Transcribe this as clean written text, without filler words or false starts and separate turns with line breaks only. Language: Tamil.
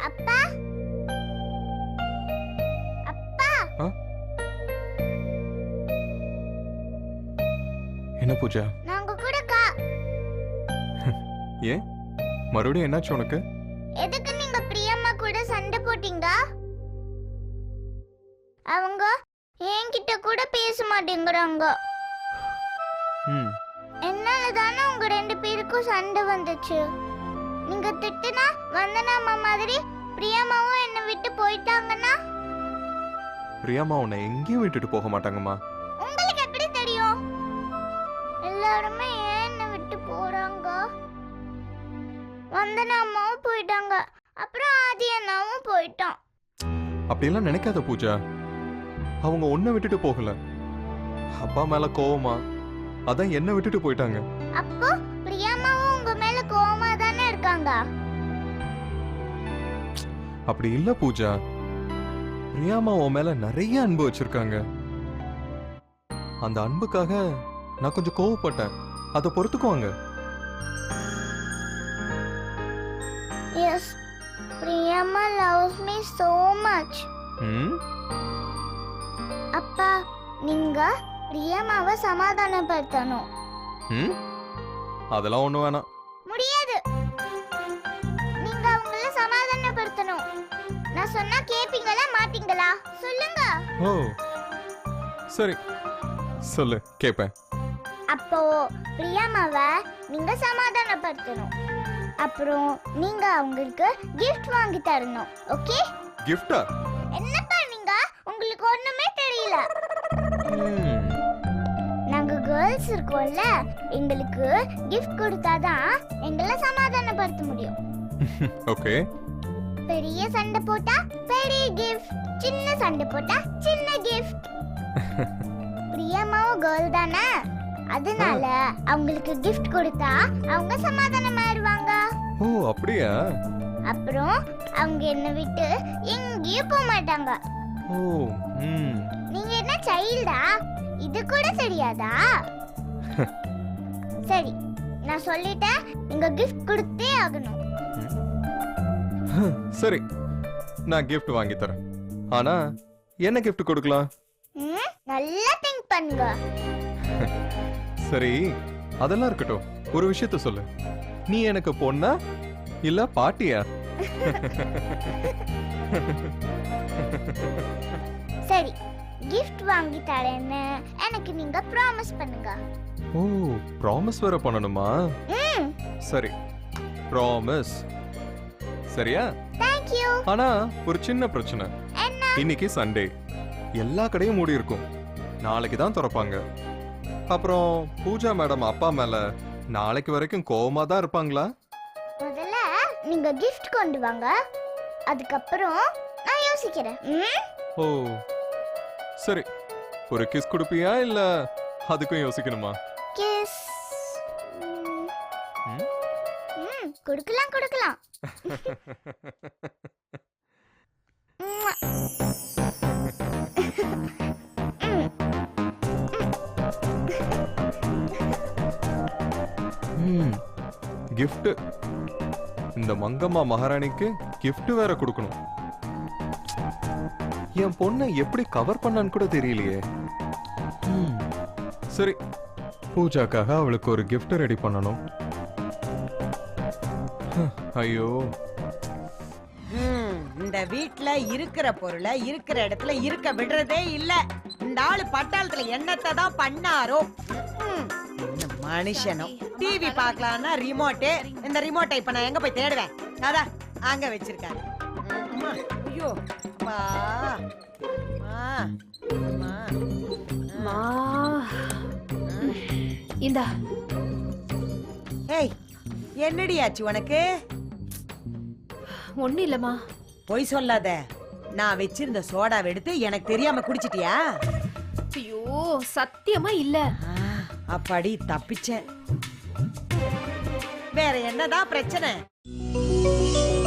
அப்பா அப்பா
என்ன பூஜா?
நாங்க கூடக்கா.
ஏன் மறுபடியும் என்னாச்சு உனக்கு?
எதுக்கு நீங்க பிரியம்மா கூட சண்டை போட்டீங்க? அவங்க என்கிட்ட கூட பேச மாட்டேங்கிறாங்க. என்னால தானே உங்க 2 பேருக்கும் சண்டை வந்துச்சு. நீங்க திட்டுனா வந்தனாமா மாதிரி பிரியம்மாவும் என்ன விட்டு போயிட்டாங்கன்னா?
பிரியம்மா உன்னை எங்கேயும் விட்டுட்டு போக மாட்டாங்கம்மா.
உங்களுக்கு எப்படி தெரியும்? எல்லாருமே ஏன் என்ன விட்டு போறாங்க? வந்தனாமாவும் போயிட்டாங்க, அப்புறம் ஆதி அண்ணாவும் போயிட்டான்.
அப்படியெல்லாம் நினைக்காத பூஜா. அவங்க உன்னை விட்டுட்டு போகல, அப்பா மேல கோவமா அதான் என்ன விட்டுட்டு போயிட்டாங்க.
அப்போ பிரியம்மாவும் உங்க மேல கோவமா தானே இருக்காங்க?
அப்படி இல்ல பூஜா, பிரியாமா உன் மேல நிறைய அன்பு வச்சிருக்காங்க. அந்த அன்புக்காக நான் கொஞ்சம் கோவப்பட்டேன், அதை பொறுத்துக்குவாங்க.
Yes, Priyamma loves me so much. அப்பா, நீங்க பிரியம்மாவை சமாதானப்படுத்தணும்.
அதெல்லாம் ஒண்ணு வேணாம்.
முடியாது. நீங்க அவங்கள சமாதானப்படுத்தணும். நான் சொன்னா கேப்பீங்களா மாட்டீங்களா? சொல்லுங்க.
ஓ சரி, சொல்லு, கேப்பேன்.
அப்போ பிரியம்மாவை நீங்க சமாதானப்படுத்தணும். அப்புறம் நீங்க அவங்களுக்கு gift வாங்கி தரணும். ஓகே?
கிஃப்டா?
என்னப்பா நீங்க? உங்களுக்கு ஒண்ணுமே தெரியல. நாங்க கேர்ள்ஸ் இருக்கோம்ல, எங்களுக்கு gift கொடுத்தாதான் எங்களை சமாதானப்படுத்த முடியும்.
ஓகே.
பெரிய சண்டை போட்டா பெரிய gift, சின்ன சண்டை போட்டா சின்ன gift. பிரியம்மாவும் கேர்ள் தானே, அதனால அவங்களுக்கு gift கொடுத்தா அவங்க சமாதானமாயிருவாங்க.
ஓ அப்படியா?
அப்புறம் அவங்க என்ன விட்டு எங்கேயும் போக மாட்டாங்க.
ஓ
நீங்க என்ன சைல்டா? இது கூட தெரியாதா? சரி, நான் சொல்லிட்டேன், நீங்க gift கொடுத்தே ஆகணும்.
சரி, நான் gift வாங்கி தரேன். ஆனா என்ன gift கொடுக்கலாம்?
நல்லா திங்க் பண்ணுங்க.
சரி, அதெல்லாம் இருக்கட்டும், ஒரு விஷயத்த சொல்லு. நீ எனக்கு பொண்ணா இல்ல பாட்டியா?
சரி, gift வாங்கி தரேன்னு எனக்கு நீங்க ப்ராமிஸ் பண்ணுங்க.
ஓ, ப்ராமிஸ் வேற பண்ணணுமா? சரி, ப்ராமிஸ். சரியா?
Thank you.
ஆனா ஒரு சின்ன பிரச்சனை.
என்ன?
இன்னைக்கு சண்டே, எல்லா கடையும் மூடி இருக்கும். நாளைக்கு தான் திறப்பாங்க. அப்புறம் பூஜா மேடம் அப்பா மேல நாளைக்கு வரைக்கும் கோவமா தான் இருப்பாங்களா?
முதல்ல நீங்க gift கொண்டு வாங்க, அதுக்கப்புறம் நான் யோசிக்கிறேன்.
ஓ சரி, ஒரு கிஸ் கொடுப்பியா இல்ல அதுக்கும் யோசிக்கணுமா?
கிஸ் கொடுக்கலாம் கொடுக்கலாம்.
gift. இந்த மங்கம்மா மகாராணிக்கு gift வேற கொடுக்கணும். என் பொண்ணை எப்படி கவர் பண்ணான்னு கூட தெரியலையே. சரி, பூஜாக்காக அவளுக்கு ஒரு gift ரெடி பண்ணணும். ஐயோ,
இந்த வீட்ல இருக்கிற பொருளை இருக்கிற இடத்துல இருக்க விடுறதே இல்ல. இந்த ஆளு பட்டாளத்துல என்னத்தை தான் பண்ணாரோ. மனுஷனும் டிவி பார்க்கலாம்னா ரிமோட்டு, இந்த ரிமோட்டை இப்ப நான் எங்க போய் தேடுவேன்? அதான் அங்க வச்சிருக்காரு. ஐயோ அப்பா.
இந்தா.
ஏய், என்னடி ஆச்சு உனக்கு?
ஒண்ணு இல்லம்மா.
பொய் சொல்லாத. நான் வச்சிருந்த சோடாவை எடுத்து எனக்கு தெரியாம குடிச்சிட்டியா?
ஐயோ, சத்தியமா இல்ல.
அப்படி தப்பிச்சேன். வேற என்னதான் பிரச்சனை?